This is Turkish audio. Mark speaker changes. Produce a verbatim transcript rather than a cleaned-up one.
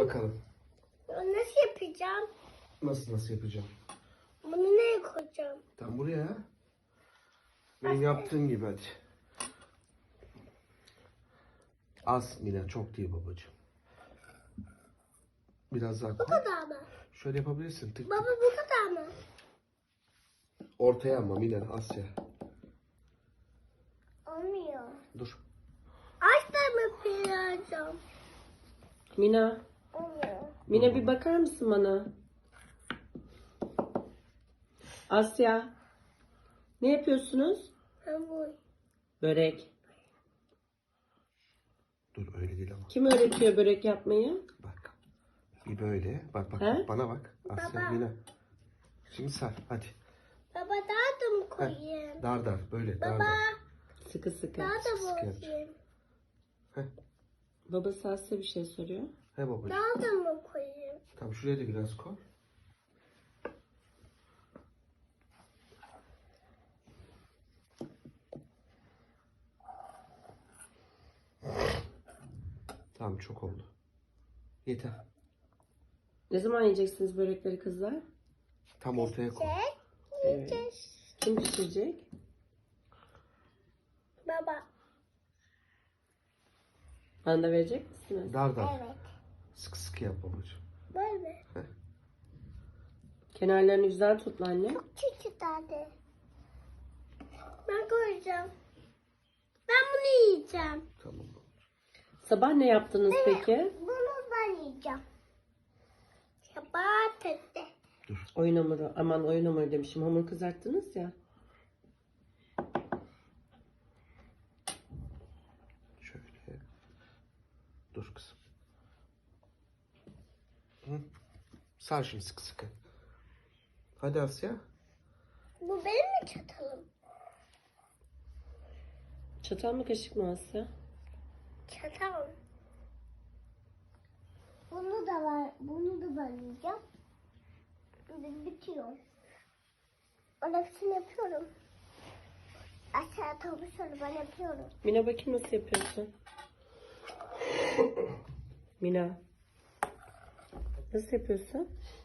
Speaker 1: bakalım.
Speaker 2: Nasıl yapacağım?
Speaker 1: Nasıl nasıl yapacağım?
Speaker 2: Bunu nereye koyacağım?
Speaker 1: Tam buraya. Benim yaptığım gibi hadi. Az Mila, çok değil babacığım. Biraz daha
Speaker 2: Bu
Speaker 1: koy.
Speaker 2: kadar mı?
Speaker 1: Şöyle yapabilirsin. Tık
Speaker 2: Baba
Speaker 1: tık.
Speaker 2: bu kadar mı?
Speaker 1: Ortaya ama Mila, Asya.
Speaker 2: Olmuyor.
Speaker 1: Dur.
Speaker 2: Aç da mı piyacağım?
Speaker 3: Mina.
Speaker 2: Olmuyor.
Speaker 3: Mina bir bakar mısın bana? Asya. Ne yapıyorsunuz?
Speaker 2: Hamur.
Speaker 3: Börek.
Speaker 1: Dur öyle değil ama.
Speaker 3: Kim öğretiyor börek yapmayı?
Speaker 1: Bak. Bir böyle. Bak bak,
Speaker 3: He?
Speaker 1: bana bak. Asya,
Speaker 2: Baba.
Speaker 1: Mila. Şimdi sar hadi.
Speaker 2: Baba daha da mı
Speaker 1: Heh,
Speaker 2: koyayım?
Speaker 1: dar dar böyle dar
Speaker 2: Baba
Speaker 1: dar.
Speaker 3: Sıkı sıkı.
Speaker 2: daha da
Speaker 1: sık
Speaker 2: mı
Speaker 1: yap.
Speaker 2: koyayım?
Speaker 3: Babası Asya bir şey soruyor.
Speaker 1: He babacığım.
Speaker 2: Daha da mı koyayım?
Speaker 1: Tamam, şuraya da biraz koy. Tamam, çok oldu. Yeter.
Speaker 3: Ne zaman yiyeceksiniz börekleri kızlar?
Speaker 1: Tam ortaya koy.
Speaker 2: Çek.
Speaker 3: Evet.
Speaker 2: Çek.
Speaker 3: Kim pişirecek?
Speaker 2: Baba.
Speaker 3: Bana da verecek misiniz?
Speaker 1: Dar dar.
Speaker 2: Evet.
Speaker 1: Sık sık yap babacığım.
Speaker 2: Böyle.
Speaker 3: Kenarlarını güzel tut anne.
Speaker 2: Küçük tane. Ben koyacağım. Ben bunu yiyeceğim.
Speaker 1: Tamam.
Speaker 3: Sabah ne yaptınız peki?
Speaker 2: Bunu ben yiyeceğim. Sabah tette.
Speaker 3: Oyun hamuru. Aman oyun hamuru demişim. Hamur kızarttınız ya.
Speaker 1: Şöyle. Dur kızım. Hı. Sar şimdi sıkı sıkı. Hadi Asya.
Speaker 2: Bu benim mi çatalım?
Speaker 3: Çatal mı kaşık mı Asya?
Speaker 2: Çatal. Bunu da var. Bunu da ben yiyeceğim. Şimdi bitiyor. Onun hepsini yapıyorum. Aşağı tavuşları ben yapıyorum.
Speaker 3: Mina bakayım nasıl yapıyorsun? Mina. Nasıl yapıyorsun?